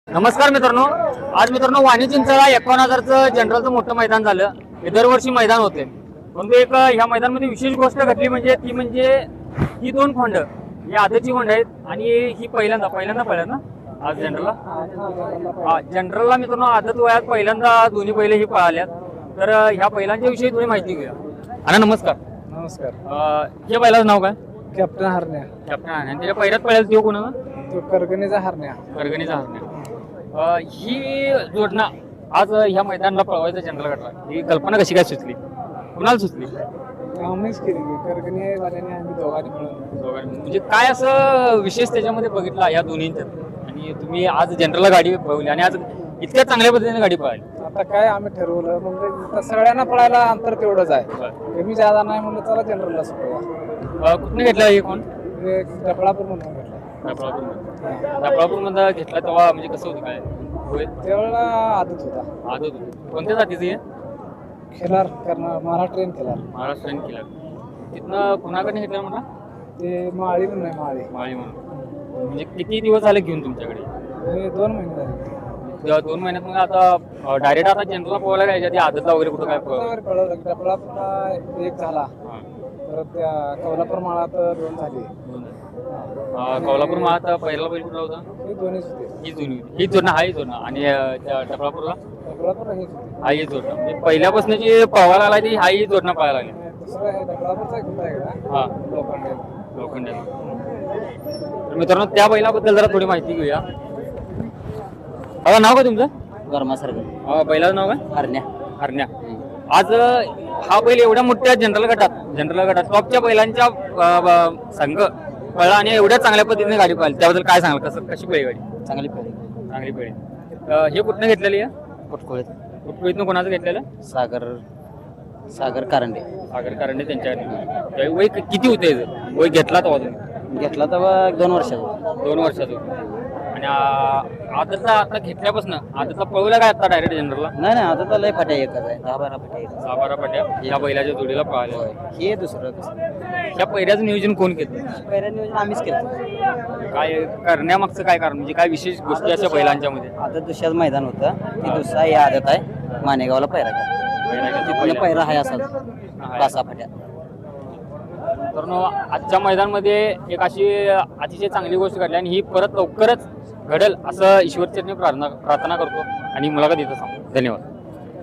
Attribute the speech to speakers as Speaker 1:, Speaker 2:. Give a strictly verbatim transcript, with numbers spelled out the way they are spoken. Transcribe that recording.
Speaker 1: नमस्कार मित्रांनो, आज मित्रांनो वाणी चिंचळा एकावन्न हजारचं जनरलचं मोठं मैदान झालं. हे दरवर्षी मैदान होते, परंतु एक ह्या मैदानामध्ये विशेष गोष्ट घडली म्हणजे ती म्हणजे ही दोन खोंड ही आधीची खोंड आहेत आणि ही पहिल्यांदा पहिल्यांदा पहिल्यांदा आज जनरलला जनरलला मित्रांनो आदत वयात पहिल्यांदा दोन्ही बैल ही पळाल्यात. तर ह्या बैलांच्या विषयी थोडी माहिती घेऊया. अण्णा नमस्कार.
Speaker 2: नमस्कार.
Speaker 1: हे बैलाचं नाव काय?
Speaker 2: कॅप्टन हरण्या.
Speaker 1: कॅप्टन हरण्या. त्याच्या पहिल्यात पळायला तो कोणाला?
Speaker 2: तो करगणीचा हरण्या.
Speaker 1: करगणीचा हरण्या. ही जोडणं आज ह्या मैदानाला पळवायचं जनरल गटला ही कल्पना कशी काय सुचली, कुणाला सुचली?
Speaker 2: आम्हीच केली करगणी वाल्याने आम्ही दोघांनी मिळून.
Speaker 1: दोघांनी म्हणजे काय असं विशेष त्याच्यामध्ये बघितला या दोन्हींच्यात आणि तुम्ही आज जनरलला गाडी पळवली आणि आज इतक्या चांगल्या पद्धतीने गाडी पळाली?
Speaker 2: आता काय आम्ही ठरवलं म्हणजे सगळ्यांना पळायला अंतर तेवढंच आहे, कमी जादा नाही म्हणलं चला जनरलला सुटूया.
Speaker 1: कुठून घेतला हे कोण?
Speaker 2: डफळापूर म्हणून घेतला.
Speaker 1: डफळापूर मध्ये घेतला तेव्हा म्हणजे कसं होतं काय?
Speaker 2: त्यावेळेला आदत होता.
Speaker 1: आदत होतं. कोणत्या जातीचं हे?
Speaker 2: खिलार करणार महाराष्ट्रीयन खिलार.
Speaker 1: महाराष्ट्रीयन खिलार. तिथनं कुणाकडे घेतलं म्हणला?
Speaker 2: ते माळी म्हणून नाही माळी
Speaker 1: माळी म्हणून. म्हणजे किती दिवस झाले घेऊन तुमच्याकडे?
Speaker 2: दोन महिने झाले.
Speaker 1: दोन महिन्यात मग आता डायरेक्ट आता जनरलला पोहायला काय आधी आदतला वगैरे कुठं काय
Speaker 2: पळवलं? डफळापूरला एक झाला, परत त्या कोल्हापूर माळात दोन झाली.
Speaker 1: कोल्हापूर माळात पहिला बैल कुठला होता?
Speaker 2: हे दोन्हीच होते.
Speaker 1: ही जुनी ही जोडणं हा ही जोडणं आणि डफळापूरला
Speaker 2: डफळापूर हेच होते.
Speaker 1: हा ही जोडणं म्हणजे पहिल्यापासून जी पळवायला लागली ती हा ही जोडणं पळायला लागली.
Speaker 2: दुसरं हे डफळापूरचा एक होता एकदा.
Speaker 1: हा
Speaker 2: लोखंडे.
Speaker 1: लोखंडे. तर मित्रांनो त्या बैलाबद्दल जरा थोडी माहिती घेऊया. नाव काय तुमचं?
Speaker 3: वर्मासारखं.
Speaker 1: बैलाचं नाव काय?
Speaker 3: हरण्या.
Speaker 1: हरण्या. आज हा बैल एवढ्या मोठ्या जनरल गटात जनरल गटात टॉपच्या बैलांच्या संघ पळला आणि एवढ्या चांगल्या पद्धतीने गाडी पळाली, त्याबद्दल काय सांगाल? कसं कशी पळली गाडी?
Speaker 3: चांगली पेढी.
Speaker 1: चांगली पळली. हे कुठनं घेतलेली आहे?
Speaker 3: पुटकुळीत.
Speaker 1: कुठकुळीतनं कोणाचं घेतलेलं?
Speaker 3: सागर सागर कारंडे.
Speaker 1: सागर कारंडे त्यांच्या वय किती होते? वय घेतला तेव्हा तुम्ही?
Speaker 3: घेतला तेव्हा दोन वर्षाचा.
Speaker 1: दोन वर्षाचं. आणि आताचा आता घेतल्यापासून आताचा पळवला काय आता डायरेक्ट जनरलला?
Speaker 3: नाही नाही आता तर लय फाट्या एकच आहे, दहा बारा फाट्या एकच.
Speaker 1: दहा बारा पाट्या या बैलाच्या जोडीला पळाल्या.
Speaker 3: हे दुसरं कसं
Speaker 1: या पहिल्याचं नियोजन कोण केलं?
Speaker 3: पहिल्या नियोजन आम्हीच केलं.
Speaker 1: काय करण्यामागचं काय कारण म्हणजे काय विशेष गोष्टी अशा बैलांच्या मध्ये?
Speaker 3: आता दुसऱ्याच मैदान होतं, ती दुसरा ही आदत आहे मानेगावला पैरा का पैरा आहे असा पाच सहा फाट्या.
Speaker 1: तर आजच्या मैदानामध्ये एक अशी अतिशय चांगली गोष्ट घडली आणि ही परत लवकरच घडेल असं ईश्वरचरणी प्रार्थना प्रार्थना करतो आणि मुलाखत देतो. सांगतो. धन्यवाद.